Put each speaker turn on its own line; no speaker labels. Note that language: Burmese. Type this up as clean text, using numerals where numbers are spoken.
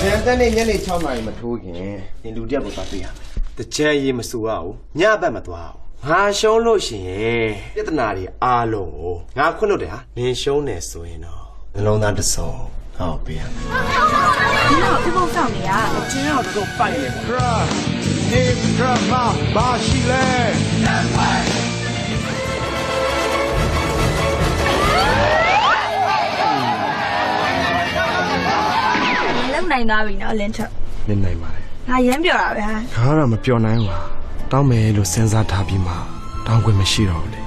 ကျန်တဲ့နေ့ညနေ6နာရီမထိုးခင်နင်လူတက်ကိုသွားတွေ့ရမယ်တကြံရေးမစိုးရအောင်ညဘက်မသွားအောင်ငါရှုံးလို့ရှိရင်ပြဿနာတွေအားလုံးကိုငါခွင့်လို့တယ်ဟာနင်ရှုံးတယ်ဆိုရင်တော့နှလုံးသားတစ်စုံဟောပေးရမယ်
ဒီတော့ပြဖို့ဆောင်နေရအချင်းတော့တော့ပိုက်နေပါ
နေဒရမာဘာရှိလဲ
လုံနိုင်သွားပြီနော်လင်းချက်
နင်နိုင်ပါတယ်
ငါရမ်းပြောတာပဲဟာ
ငါကတော့မပြောနိုင်ဘူးတောင်းမယ်လို့စဉ်းစားထားပြီးမှတောင်းခွင့်မရှိတော့ဘူးလေ